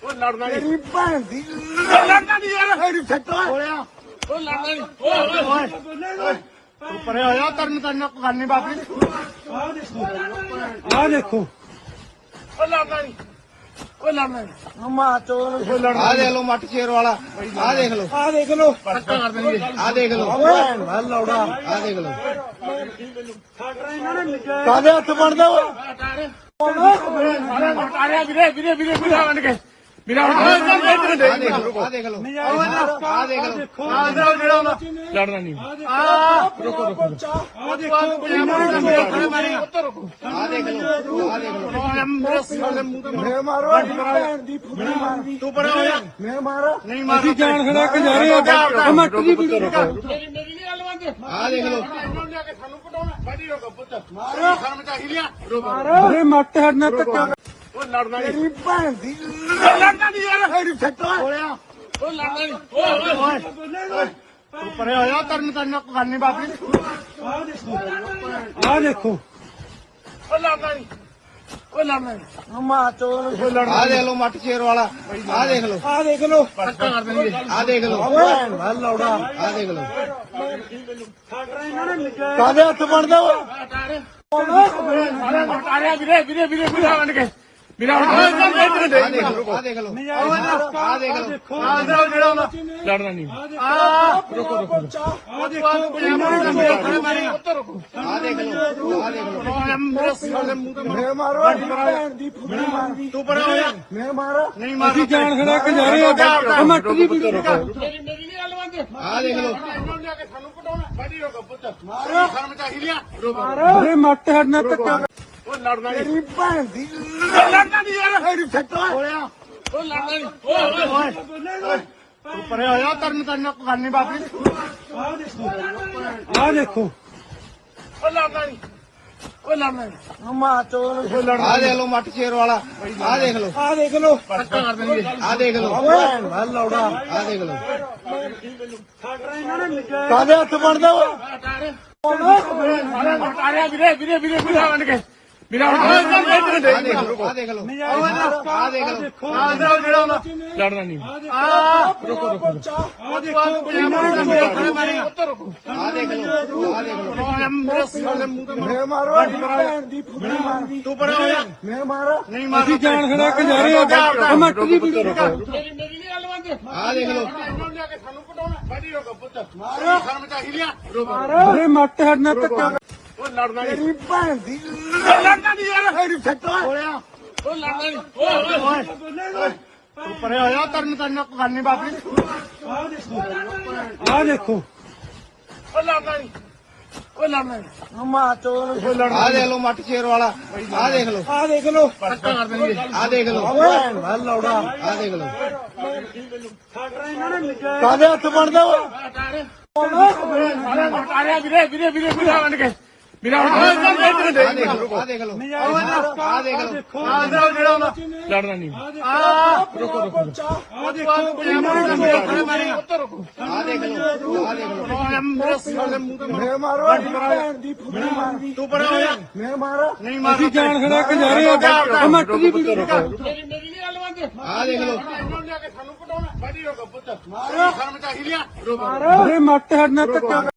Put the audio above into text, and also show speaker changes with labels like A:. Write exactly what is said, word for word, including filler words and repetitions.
A: ਉਹ ਲੜਨਾ ਨਹੀਂ
B: ਤੇਰੀ ਭੈਣ ਦੀ
A: ਲੜਨਾ ਨਹੀਂ ਯਾਰ
B: ਮੇਰੀ ਛੱਟਾ
A: ਹੋਇਆ ਉਹ ਲੜਨਾ ਨਹੀਂ ਓਏ ਓਏ ਤੂੰ ਪਰੇ ਹੋਇਆ ਤਰਨ ਤਰਨ ਕਰਨੀ ਬਾਪੀ
B: ਆ ਦੇਖੋ
A: ਉਹ ਲੜਨਾ ਨਹੀਂ ਉਹ ਲੜਨਾ ਨਹੀਂ
B: ਮਾ ਚੋਰ
C: ਆ ਦੇਖ ਲਓ ਮੱਟ ਸ਼ੇਰ ਵਾਲਾ ਆ ਦੇਖ ਲਓ
B: ਆ ਦੇਖ ਲੋ
A: ਪੱਕਾ ਕਰ ਦੇਣਗੇ
C: ਆ ਦੇਖ ਲਓ
B: ਭੈਣ ਦਾ ਲੌੜਾ
C: ਆ ਦੇਖ ਲਓ
B: ਕਾਦੇ ਹੱਥ ਬਣਦਾ ਓਏ
A: ਆਰਿਆ ਵੀਰੇ ਵੀਰੇ ਵੀਰੇ ਵੀਰੇ ਬਣ ਕੇ ਵੀਰਾ
C: ਆ ਦੇਖ ਲਓ ਆ ਦੇਖ ਲਓ ਆ ਦੇਖ ਲਓ
A: ਲੜਨਾ ਨਹੀਂ
B: ਆ ਰੁਕੋ ਰੁਕੋ ਆ ਦੇਖੋ
C: ਆ ਦੇਖ ਲਓ ਆ ਦੇਖ ਲਓ
A: ਮੇਰੇ ਸਿਰ ਦੇ ਮੂੰਹ ਤੇ
B: ਮੈਂ ਮਾਰੋ ਭੈਣ ਦੀ ਫੁੱਟੀ ਮਾਰਦੀ
A: ਤੂੰ ਪਰੇ ਹੋਇਆ
B: ਮੈਂ ਮਾਰੋ
A: ਨਹੀਂ ਮਾਰ
B: ਅਸੀਂ ਜਾਣ ਖੜਾ ਕੇ ਜਾ ਰਹੇ ਆ ਮੱਟ ਦੀ ਵੀਡੀਓ
A: ਮੇਰੀ ਮੇਰੀ ਨਹੀਂ ਗੱਲ ਮੰਨਦੇ
C: ਆ ਦੇਖ ਲਓ
A: ਇਹਨੂੰ ਲਿਆ ਕੇ ਸਾਨੂੰ ਪਟਾਉਣਾ ਬਾਡੀ ਰੋਕੋ ਪੁੱਤ ਮਾਰੋ ਸ਼ਰਮ ਚਾਹੀ ਲਿਆ ਰੋਕੋ
B: ਅਰੇ ਮੱਟ ਹੜਨਾ ਧੱਕਾ
A: ਉਹ ਲੜਨਾ ਨਹੀਂ
B: ਤੇਰੀ ਭੈਣ ਦੀ
A: ਲੜਨਾ ਨਹੀਂ ਯਾਰ
B: ਮੇਰੀ ਛੱਟਾ
A: ਹੋਇਆ ਉਹ ਲੜਨਾ ਨਹੀਂ ਓਏ ਓਏ ਤੂੰ ਪਰੇ ਹੋਇਆ ਤਰਨ ਤਰਨ ਕਰਨੀ ਬਾਪੀ
B: ਆ ਦੇਖੋ
A: ਉਹ ਲੜਨਾ ਨਹੀਂ ਉਹ ਲੜਨਾ ਨਹੀਂ
B: ਮਾ ਚੋਰ
C: ਆ ਦੇਖ ਲਓ ਮੱਟ ਸ਼ੇਰ ਵਾਲਾ ਆ ਦੇਖ ਲਓ
B: ਆ ਦੇਖ ਲੋ
A: ਪੱਕਾ ਕਰ ਦੇਣਗੇ
C: ਆ ਦੇਖ ਲਓ
B: ਭੈਣ ਦਾ ਲੌੜਾ
C: ਆ ਦੇਖ ਲਓ
B: ਕਾਦੇ ਹੱਥ ਬਣਦਾ ਓਏ
A: ਆਰਿਆ ਵੀਰੇ ਵੀਰੇ ਵੀਰੇ ਵੀਰੇ ਬਣ ਕੇ ਵੀਰਾ
C: ਆ ਦੇਖ ਲਓ ਆ ਦੇਖ ਲਓ ਆ ਦੇਖ ਲਓ
A: ਲੜਨਾ ਨਹੀਂ
B: ਆ ਰੁਕੋ ਰੁਕੋ ਆ ਦੇਖੋ
C: ਆ ਦੇਖ ਲਓ ਆ ਦੇਖ ਲਓ
A: ਮੇਰੇ ਸਿਰ ਦੇ ਮੂੰਹ ਤੇ
B: ਮੈਂ ਮਾਰੋ ਭੈਣ ਦੀ ਫੁੱਟੀ ਮਾਰਦੀ
A: ਤੂੰ ਪਰੇ ਹੋਇਆ
B: ਮੈਂ ਮਾਰੋ
A: ਨਹੀਂ ਮਾਰ
B: ਅਸੀਂ ਜਾਣ ਖੜਾ ਕੇ ਜਾ ਰਹੇ ਆ ਮੱਟ ਦੀ ਵੀਡੀਓ
A: ਮੇਰੀ ਮੇਰੀ ਨਹੀਂ ਗੱਲ ਮੰਨਦੇ
C: ਆ ਦੇਖ ਲਓ
A: ਇਹਨੂੰ ਲਿਆ ਕੇ ਸਾਨੂੰ ਪਟਾਉਣਾ ਬਾਡੀ ਰੋਕੋ ਪੁੱਤ ਮਾਰੋ ਸ਼ਰਮ ਚਾਹੀ ਲਿਆ ਰੋਕੋ
B: ਅਰੇ ਮੱਟ ਹੜਨਾ ਧੱਕਾ
A: ਉਹ ਲੜਨਾ ਨਹੀਂ
B: ਤੇਰੀ ਭੈਣ ਦੀ
A: ਲੜਨਾ ਨਹੀਂ ਯਾਰ
B: ਮੇਰੀ ਛੱਟਾ
A: ਹੋਇਆ ਉਹ ਲੜਨਾ ਨਹੀਂ ਓਏ ਓਏ ਤੂੰ ਪਰੇ ਹੋਇਆ ਤਰਨ ਤਰਨ ਕਰਨੀ ਬਾਪੀ
B: ਆ ਦੇਖੋ
A: ਉਹ ਲੜਨਾ ਨਹੀਂ ਉਹ ਲੜਨਾ ਨਹੀਂ
B: ਮਾ ਚੋਰ
C: ਆ ਦੇਖ ਲਓ ਮੱਟ ਸ਼ੇਰ ਵਾਲਾ ਆ ਦੇਖ ਲਓ
B: ਆ ਦੇਖ ਲੋ
A: ਪੱਕਾ ਕਰ ਦੇਣਗੇ
C: ਆ ਦੇਖ ਲਓ
B: ਭੈਣ ਦਾ ਲੌੜਾ
C: ਆ ਦੇਖ ਲਓ
B: ਕਾਦੇ ਹੱਥ ਬਣਦਾ ਓਏ
A: ਆਰਿਆ ਵੀਰੇ ਵੀਰੇ ਵੀਰੇ ਵੀਰੇ ਬਣ ਕੇ ਵੀਰਾ
C: ਆ ਦੇਖ ਲਓ ਆ ਦੇਖ ਲਓ ਆ ਦੇਖ ਲਓ
A: ਲੜਨਾ ਨਹੀਂ
B: ਆ ਰੁਕੋ ਰੁਕੋ ਆ ਦੇਖੋ
C: ਆ ਦੇਖ ਲਓ ਆ ਦੇਖ ਲਓ
A: ਮੇਰੇ ਸਿਰ ਦੇ ਮੂੰਹ ਤੇ
B: ਮੈਂ ਮਾਰੋ ਭੈਣ ਦੀ ਫੁੱਟੀ ਮਾਰਦੀ
A: ਤੂੰ ਪਰੇ ਹੋਇਆ
B: ਮੈਂ ਮਾਰੋ
A: ਨਹੀਂ ਮਾਰ
B: ਅਸੀਂ ਜਾਣ ਖੜਾ ਕੇ ਜਾ ਰਹੇ ਆ ਮੱਟ ਦੀ ਵੀਡੀਓ
A: ਮੇਰੀ ਮੇਰੀ ਨਹੀਂ ਗੱਲ ਮੰਨਦੇ
C: ਆ ਦੇਖ ਲਓ
A: ਇਹਨੂੰ ਲਿਆ ਕੇ ਸਾਨੂੰ ਪਟਾਉਣਾ ਬਾਡੀ ਰੋਕੋ ਪੁੱਤ ਮਾਰੋ ਸ਼ਰਮ ਚਾਹੀ ਲਿਆ ਰੋਕੋ
B: ਅਰੇ ਮੱਟ ਹੜਨਾ ਧੱਕਾ
A: ਉਹ ਲੜਨਾ ਨਹੀਂ
B: ਤੇਰੀ ਭੈਣ ਦੀ
A: ਲੜਨਾ ਨਹੀਂ ਯਾਰ
B: ਮੇਰੀ ਛੱਟਾ
A: ਹੋਇਆ ਉਹ ਲੜਨਾ ਨਹੀਂ ਓਏ ਓਏ ਤੂੰ ਪਰੇ ਹੋਇਆ ਤਰਨ ਤਰਨ ਕਰਨੀ ਬਾਪੀ
B: ਆ ਦੇਖੋ
A: ਉਹ ਲੜਨਾ ਨਹੀਂ ਉਹ ਲੜਨਾ ਨਹੀਂ
B: ਮਾ ਚੋਰ
C: ਆ ਦੇਖ ਲਓ ਮੱਟ ਸ਼ੇਰ ਵਾਲਾ ਆ ਦੇਖ ਲਓ
B: ਆ ਦੇਖ ਲੋ
A: ਪੱਕਾ ਕਰ ਦੇਣਗੇ
C: ਆ ਦੇਖ ਲਓ
B: ਭੈਣ ਦਾ ਲੌੜਾ
C: ਆ ਦੇਖ ਲਓ
B: ਕਾਦੇ ਹੱਥ ਬਣਦਾ ਓਏ
A: ਆਰਿਆ ਵੀਰੇ ਵੀਰੇ ਵੀਰੇ ਵੀਰੇ ਬਣ ਕੇ ਵੀਰਾ
C: ਆ ਦੇਖ ਲਓ ਆ ਦੇਖ ਲਓ ਆ ਦੇਖ ਲਓ
A: ਲੜਨਾ ਨਹੀਂ
B: ਆ ਰੁਕੋ ਰੁਕੋ ਆ ਦੇਖੋ
C: ਆ ਦੇਖ ਲਓ ਆ ਦੇਖ ਲਓ
A: ਮੇਰੇ ਸਿਰ ਦੇ ਮੂੰਹ ਤੇ
B: ਮੈਂ ਮਾਰੋ ਭੈਣ ਦੀ ਫੁੱਟੀ ਮਾਰਦੀ
A: ਤੂੰ ਪਰੇ ਹੋਇਆ
B: ਮੈਂ ਮਾਰੋ
A: ਨਹੀਂ ਮਾਰ
B: ਅਸੀਂ ਜਾਣ ਖੜਾ ਕੇ ਜਾ ਰਹੇ ਆ ਮੱਟ ਦੀ ਵੀਡੀਓ
A: ਮੇਰੀ ਮੇਰੀ ਨਹੀਂ ਗੱਲ ਮੰਨਦੇ
C: ਆ ਦੇਖ ਲਓ
A: ਇਹਨੂੰ ਲਿਆ ਕੇ ਸਾਨੂੰ ਪਟਾਉਣਾ ਬਾਡੀ ਰੋਕੋ ਪੁੱਤ ਮਾਰੋ ਸ਼ਰਮ ਚਾਹੀ ਲਿਆ ਰੋਕੋ
B: ਅਰੇ ਮੱਟ ਹੜਨਾ ਧੱਕਾ